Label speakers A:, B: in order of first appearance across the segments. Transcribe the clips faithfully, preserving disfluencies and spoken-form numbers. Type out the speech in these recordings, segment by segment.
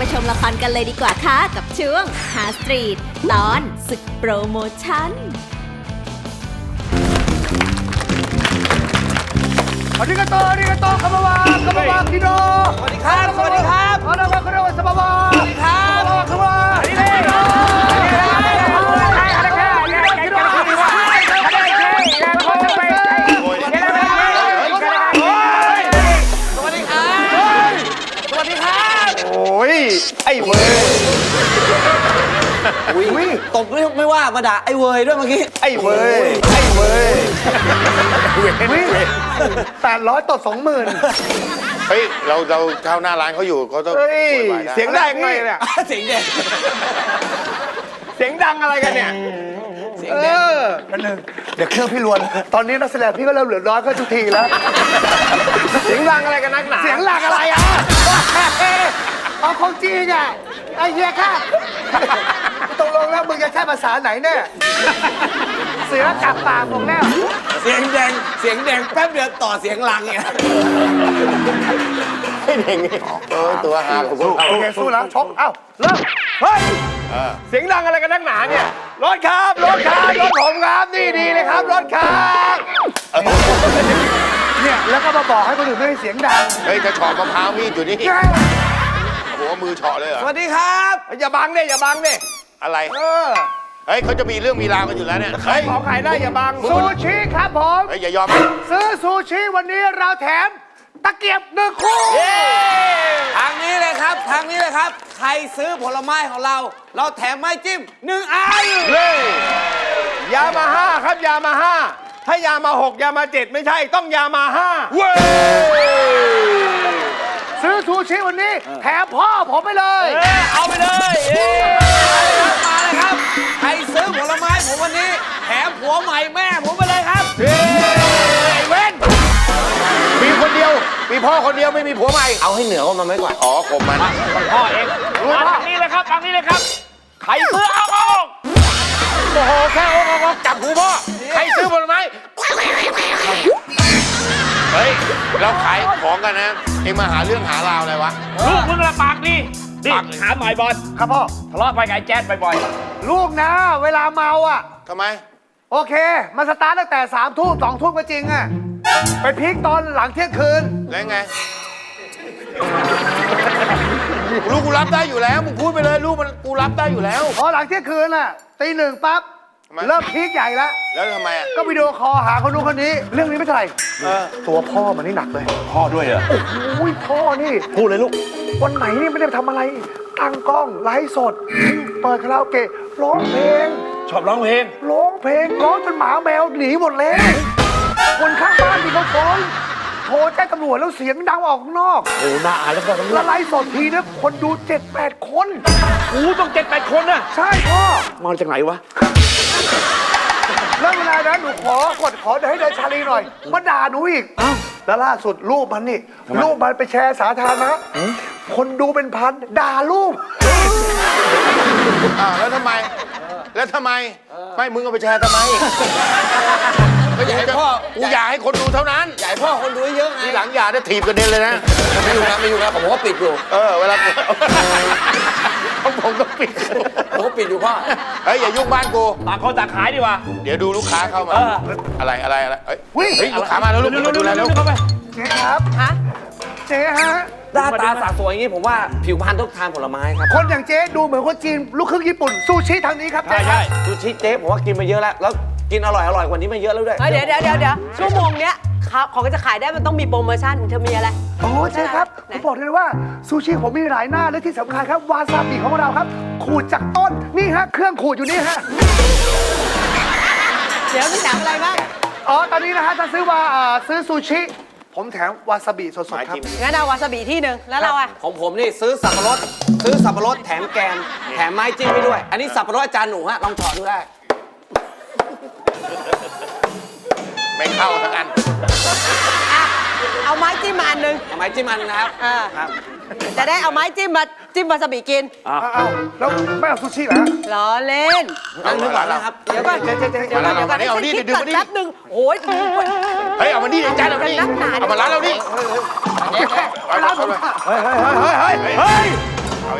A: ชมละครกันเลยดีกว่าค่ะกับช่วงหาสตรีทตอนศึกโปรโมชั่น
B: อาริกาโตอาริกาโตคำว่าคำว่าคิโน
C: สวัสดีครับสวัสดีครับ
B: อาราบาคาราสบาวา
C: สวัสดีครับ
B: คำว่าคิโน
C: โอ้ยไอ้เว้ยอุ้ยตบไม่ไม่ว่ามาด่าไอ้เว้ยด้วยเมื่อกี้ไอ้เว้ยไอ้เว้ย
B: แปดร้อยต่อสองหมื่น
D: เฮ้ยเราเราเข้าหน้าร้านเขาอยู่เขาต้อง
B: เสียงดังไงเนี่ย
C: เสียงเด็ก
B: เสียงดังอะไรกันเนี่ย
C: เสียงเด็ก
B: นั่นหนึ่งเดี๋ยวเครื่องพี่ลวนตอนนี้นักแสดงพี่ก็เริ่มเหลือน้อยก็ทุกทีแล้วเสียงดังอะไรกันนักหนาเสียงดังอะไรอ่ะเอาของจริงอ่ะไอ้เหี้ยค่ะตกลงแล้วมึงจะใช้ภาษาไหนเนี่ยเสือจับปากผมแล้ว
C: เสียงแดงเสียงแดงแป๊บเดียวต่อเสียงลังเนี่ย
D: ให้เด็กเออตัวหาของพวกเรา
B: โอเคสู้แล้วชกเอ้าเริ่มเฮ้ยเสียงดังอะไรกันนักหนาเนี่ยรถครับรถครับรถผมครับนี่ดีเลยครับรถครับเนี่ยแล้วก็มาบอกให้คนอื่นไม่ให้เสียงดัง
D: เฮ้ยจะเฉาะมะพร้าวมีดอยู่นี่หัวมือเฉาะเลยเหรอ
C: สวัสดีครับ
B: อย่าบังเนี่ยอย่าบังเนี่ย
D: อะไร
B: เออ
D: เฮ้ยเขาจะมีเรื่องมีราวกันอยู่แล้วเนี่ย
B: ใครขอขายได้อย่าบังซูชิครับผม
D: เฮ้ยอย่ายอม
B: ซื้อซูชิวันนี้เราแถมตะเกียบหนึ่งคู่
C: ทางนี้เลยครับทางนี้เลยครับใครซื้อผลไม้ของเราเราแถมไม้จิ้มหนึ่งอัน
B: เฮ้ยยามาฮ่าครับยามาฮ่าถ้ายามาหกยามาเจ็ดไม่ใช่ต้องยามาฮ่าเว้ยซื้อซูชิวันนี้แถมพ่อผมไปเลย
C: เอาไปเลยมาเลยครับใครซื้อผลไม้ผมวันนี้แถมผัวใหม่แม่ผมไปเลยครับ
B: ไอ้เว้น
D: มีคนเดียวมีพ่อคนเดียวไม่มีผัวใหม่
C: เอาให้เหนือกว่ามันไม่กว่า
D: อ๋อข่มมัน
B: พ่อเองมาทางนี้เลยครับทางนี้เลยครับใครซื้อเอาออกโอ้โหแค่เอาออกจับหูพ่อใครซื้อผลไม้
D: เฮ้ยเราขายของกันนะเอ็งมาหาเรื่องหาราวอะไรวะ
E: ลูกมึงละปากดีนี่หาหมายบอล
B: ครับพ่อ
E: ทะเลาะไปไงแจ๊ดบ่อย
B: ๆลูกนะเวลาเมาอ่ะ
D: ทำไม
B: โอเคมาสตาร์ทตั้งแต่สามทุ่มสองทุ่มก็จริงอ่ะไปพีคตอนหลังเที่ยงคืน
D: แล้วไงลูกกูรับได้อยู่แล้วมึงพูดไปเลยลูกมันกูรับได้อยู่แล้ว
B: พอหลังเที่ยงคืนอ่ะตีหนึ่งปั๊บเริ่มพีคใหญ่แล้ว
D: แล้วทำไมอ่ะ
B: ก็วิดีโอคอลหาคนนู้นคนนี้เรื่องนี้ไม่เท่าไหร่ตัวพ่อมันนี่หนักเลย
E: พ่อด้วยเหรอ
B: โอ้ยพ่อนี่
E: พูดเลยลูก
B: วันไหนนี่ไม่ได้ทำอะไรตั้งกล้องไลฟ์สดเปิดคาราโอเกะร้องเพลง
E: ชอบร้องเพลง
B: ร้องเพลงร้องจนหมาแมวหนีหมดเลยคนข้างบ้านที่เขาฟ้องโทรแจ้งตำรวจแล้วเสียงดังออกข้างนอก
E: โอ้น่าอายแล้วก็ตำรวจ
B: แล้วไลฟ์สดทีนะคนดูเจ็ดแปดคน
E: โอ้ต้องเจ็ดแปดคนน่ะ
B: ใช่พ่อ
E: มาจากไหนวะ
B: แล้วเวลานั้นหนูขอกดขอให้เดินชาลีหน่อยมาด่าหนูอีกแล้วล่าสุดรูปมันนี่รูปมันไปแชร์สาธารณะคนดูเป็นพันด่ารูป
D: อ้าวแล้วทำไมแล้วทำไมไม่มึงเอาไปแชร์ทำไมก็อยากให้พ่อกูอยากให้คนดูเท่านั้น
C: อยากให้พ่อคนดูเยอะไง
D: ทีหลังอย่าได้ถีบกระเด็นเลยนะ
C: ไม่อยู่นะไม่อยู่นะผมก็ปิดอยู่
D: เออเวลาของผมก็ปิด
C: ผมก็ปิดอยู่พ่อ
D: เฮ้ยอย่ายุ่งบ้านกู
E: ต่างคนต่างขายดีกว่า
D: เดี๋ยวดูลูกค้าเข้ามาอะไรอะไรอะไรเฮ้ยลูกค้ามาแล้วลูก
E: ดูแลแล้วเข้าไป
B: เจ๊ครับฮะเจ๊ฮะ
C: หน้าตาสาสวยอย่างนี้ผมว่าผิวพรรณต้องทานผลไม้ครับ
B: คนอย่างเจ๊ดูเหมือนคนจีนลูกครึ่งญี่ปุ่นซูชิทางนี้ครับ
E: ใช่ใช่
C: ซูชิเจ๊ผมว่ากินมาเยอะแล้วแล้วกินอร่อยอร่อยกว่านี้มาเยอะแล้วด้วย
F: เดี๋ยวเดี๋ยวเดี๋ยวเดี๋ยวชั่วโมงเนี้ยของจะขายได้มันต้องมีโปรโมชั่นเธอมีอะไร
B: โอ้เจ๊ครับผมบอกเลยว่าซูชิผมมีหลายหน้าและที่สำคัญครับวาซาบิของเราครับขูดจากต้นนี่ฮะเครื่องขูดอยู่นี่ฮะ
F: เดี๋ยวมีแถมอะไรบ้าง
B: อ๋อตอนนี้นะฮะจะซื้อว่าซื้อซูชิผมแถมวาซาบิสดๆครับ
F: งั้นเอาวาซาบิที่หนึ่งแล้วเราอ่ะ
C: ของผมนี่ซื้อสับปะรดซื้อสับปะรดแถมแกมแถมไม้จิ้มให้ด้วยอันนี้สับปะรดอาจารย์หนูฮะลองถอดดูได้
D: ไม่เข้าทั้งอัน
F: เอาไม้จิ้มมาอันหนึ่ง
C: เอาไม้จิ้มอันนะครับครับ
F: จะได้เอาไม้จิ้มมาจิ้มวาซาบิกิน
B: เอาแล้วไม่เอาซูชิเหรอ
F: ล้อเล่น
C: นั่งนึกก่อนนะครับ
F: เดี๋ยวก่อนเดี๋ยวก่อนเดี๋ยวก่อนเดี๋ยวก่อน
D: เอาดิดึงมาดิ
F: แป๊บนึงโอ้ย
D: เฮ้ยเอามาดิจานเอาดิเอามาร้านเราดิ
B: เฮ้ยเฮ้ยเฮ้ยเฮ้ยเฮ้ยเฮ้ย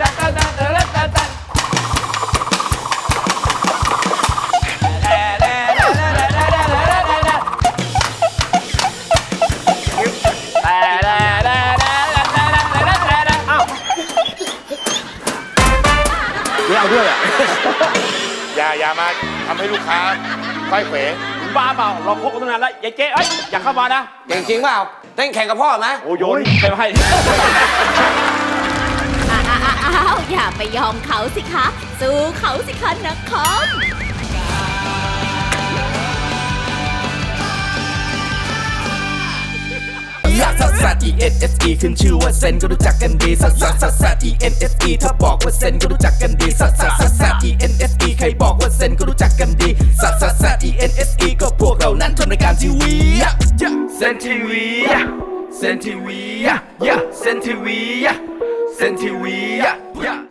E: ไม่เอาด้วยอ่ะ
D: อย่าอย่ามาทำให้ลูกค้าค่อยเขว
E: บ้าเปล่าเราคบกันตั้งนานแล้วยายเจ๊เอ้ยอย่าเข้ามานะ
G: เก่งจริงเปล่าเต้นแข่งกับพ่อไหม
E: โอ้โยนไปให้
A: อ้าวอ้าวอ้าวอย่าไปยอมเขาสิคะ สู้เขาสิคะนักคอม
H: ลักซัสซัส E N S E ขึ้นชื่อว่าเซนก็รู้จักกันดีซัสซัสซัสซัส E N S E ถ้าบอกว่าเซนก็รู้จักกันดีซัสซัสซัสซัส E N S E ใครบอกว่าเซนก็รู้จักกันดีซัสซัสซัส E N S E ก็พวกเรานั้นทำรายการทีวีเซนทีวีเซนทีวีเซนทีวีเซนทีวี